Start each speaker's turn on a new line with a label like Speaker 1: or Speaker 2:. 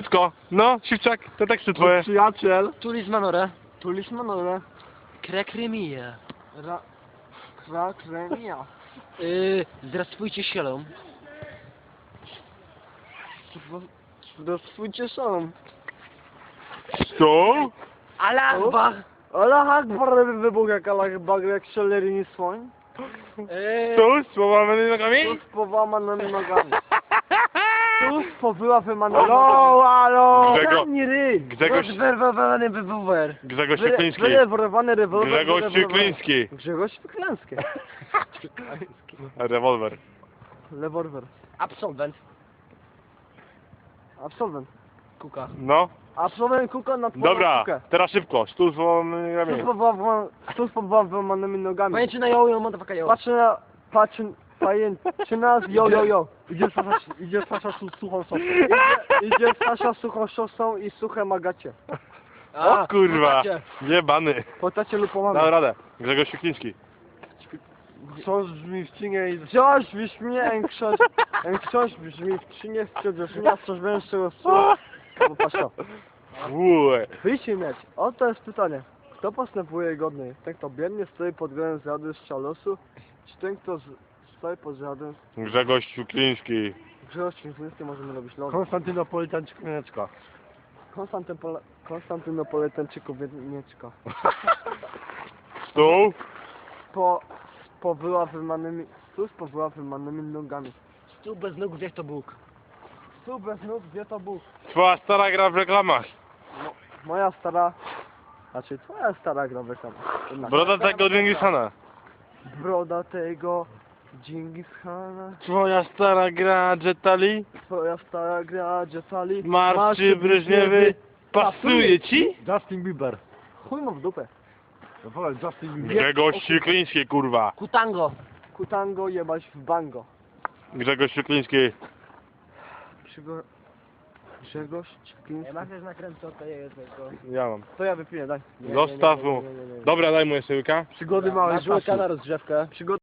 Speaker 1: Wszystko. No, Siwczak, te teksty twoje.
Speaker 2: Przyjaciel.
Speaker 3: Tulis Manore.
Speaker 2: Tulis Manole.
Speaker 3: Krekremia.
Speaker 2: Krakremia.
Speaker 3: Zdrastwujcie sielą.
Speaker 2: Dostwójcie szalom.
Speaker 1: Co?
Speaker 3: Allah Akbar.
Speaker 2: Allah Akbar wybuch jak Allah Akbar, jak szelerini słoń.
Speaker 1: Tu? Z połamanymi nogami?
Speaker 2: Tu z połamanymi nogami. Tu z powyłapanymi
Speaker 1: Halo,
Speaker 2: nogami.
Speaker 1: halo.
Speaker 2: Zamknij ryj.
Speaker 1: Grzegorz,
Speaker 3: Zwerwowany wywówer.
Speaker 1: Grzegorz Świekliński.
Speaker 2: Wyleworowany rewolwer.
Speaker 1: Grzegorz Świekliński.
Speaker 2: Grzegorz Świekliński.
Speaker 1: Rewolwer.
Speaker 2: Rewolwer.
Speaker 3: Absolwent.
Speaker 2: Absolwent.
Speaker 3: Kuka.
Speaker 1: No.
Speaker 2: Absolwent kuka na twoją
Speaker 1: Dobra,
Speaker 2: kukę.
Speaker 1: teraz szybko. Stół z połamanymi nogami.
Speaker 2: Tu z połamanymi nogami.
Speaker 3: Pojęcie na jojo, motherfucker yo.
Speaker 2: Pajęczyna z jo. Idzie Sasza z suchą szosą. Idzie Sasza z suchą szosą i suche magacie.
Speaker 1: O kurwa. Jebany.
Speaker 2: Po tacie lub po mamie.
Speaker 1: Dał radę. Grzegorz Świekliński.
Speaker 2: Książ brzmi w cinie i... Książ brzmi, książ brzmi w cinie, wciąż brzmi, a coś węższego słowa. No patrz to.
Speaker 1: Łe.
Speaker 2: Wyjście mieć. Oto jest pytanie. Kto postępuje godniej? Ten, kto biernie stoi pod względem zjady z szalosu, czy ten, kto stoi pod zjadem...
Speaker 1: Grzegorz Świekliński.
Speaker 2: Grzegorz Świętny możemy robić lody.
Speaker 3: Konstantynopolitańczyk Mianeczka.
Speaker 2: Konstantynopolitańczyków Mieczka.
Speaker 1: Stół.
Speaker 2: Po wyłapywanymi... Tu z powyłapywanymi nogami.
Speaker 3: Stół bez nóg, wiech to Bóg.
Speaker 2: Tu bez nóg, gdzie to Bóg?
Speaker 1: Twoja stara gra w reklamach.
Speaker 2: Moja stara... Znaczy, twoja stara gra w reklamach. Jednak.
Speaker 1: Broda tego Dżingishana.
Speaker 2: Broda tego Dżingis Khana.
Speaker 1: Twoja stara gra Jetali.
Speaker 2: Twoja stara gra Jetali.
Speaker 1: Marszy Breżniewy. Pasuje ci?
Speaker 2: Justin Bieber. Chuj mu w dupę. Justin Bieber.
Speaker 1: Grzegorz Świekliński, kurwa.
Speaker 3: Kutango.
Speaker 2: Kutango jebać w bango.
Speaker 1: Grzegorz Świekliński.
Speaker 2: Grzegorz Ciekliński.
Speaker 3: Masz też nakręcę od tego.
Speaker 1: Ja mam.
Speaker 2: To ja wypiję, daj.
Speaker 1: Zostaw mu. Dobra, daj mu jeszcze łyka.
Speaker 2: Przygody małej
Speaker 3: Masz łyka
Speaker 2: żółci.
Speaker 3: na rozgrzewkę.
Speaker 2: Przygody